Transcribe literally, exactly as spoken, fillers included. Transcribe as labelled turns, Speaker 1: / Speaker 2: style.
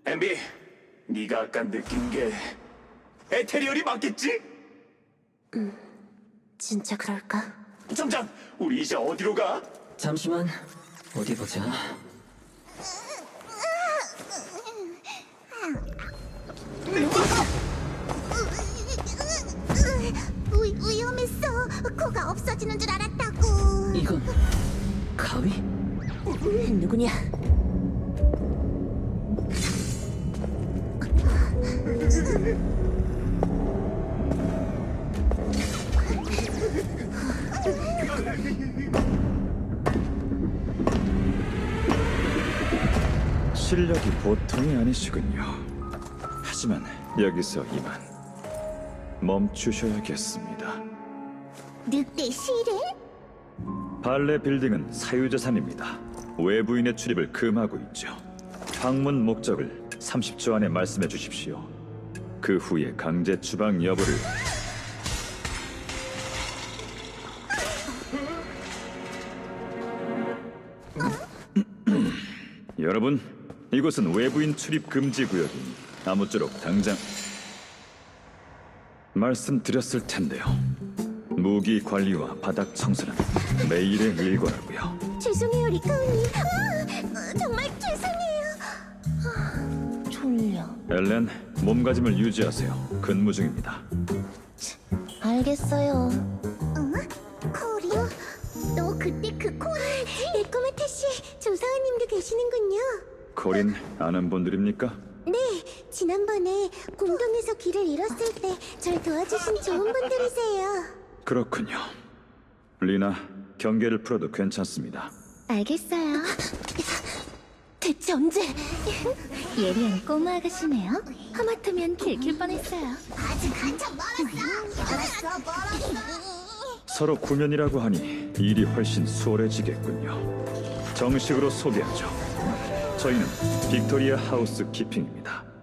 Speaker 1: 엠비, 네가 아까 느낀 게 에테리얼이 맞겠지?
Speaker 2: 진짜 그럴까?
Speaker 1: 점장, 우리 이제 어디로 가?
Speaker 3: 잠시만, 어디 보자.
Speaker 4: 위, 위험했어. 코가 없어지는 줄 알았다고.
Speaker 3: 이건 가위?
Speaker 2: 누구냐?
Speaker 5: 실력이 보통이 아니시군요. 하지만 여기서 이만 멈추셔야겠습니다.
Speaker 4: 늑대 실해?
Speaker 5: 발레 빌딩은 사유재산입니다. 외부인의 출입을 금하고 있죠. 방문 목적을 삼십 초 안에 말씀해 주십시오. 그 후에 강제 추방 여부를 여러분, 이곳은 외부인 출입 금지 구역이니 아무쪼록 당장 말씀드렸을 텐데요. 무기 관리와 바닥 청소는 매일의 일과라고요.
Speaker 4: 죄송해요, 리카우님. 아, 정말 죄송해요.
Speaker 2: 졸려.
Speaker 5: 엘렌, 몸가짐을 유지하세요. 근무 중입니다.
Speaker 2: 알겠어요.
Speaker 4: 어? 코리? 너 그때 그 코리지? 에코메타 씨, 조사원님도 계시는군요.
Speaker 5: 코린 아는 분들입니까?
Speaker 4: 네, 지난번에 공동에서 길을 잃었을 때 절 도와주신 좋은 분들이세요.
Speaker 5: 그렇군요. 리나, 경계를 풀어도 괜찮습니다.
Speaker 4: 알겠어요.
Speaker 2: 대체 언제?
Speaker 4: 예리한 꼬마 아가씨네요. 하마터면 들킬 뻔했어요. 아직 한참 멀었어. 멀었어, 멀었어.
Speaker 5: 서로 구면이라고 하니 일이 훨씬 수월해지겠군요. 정식으로 소개하죠. 저희는 빅토리아 하우스 키핑입니다.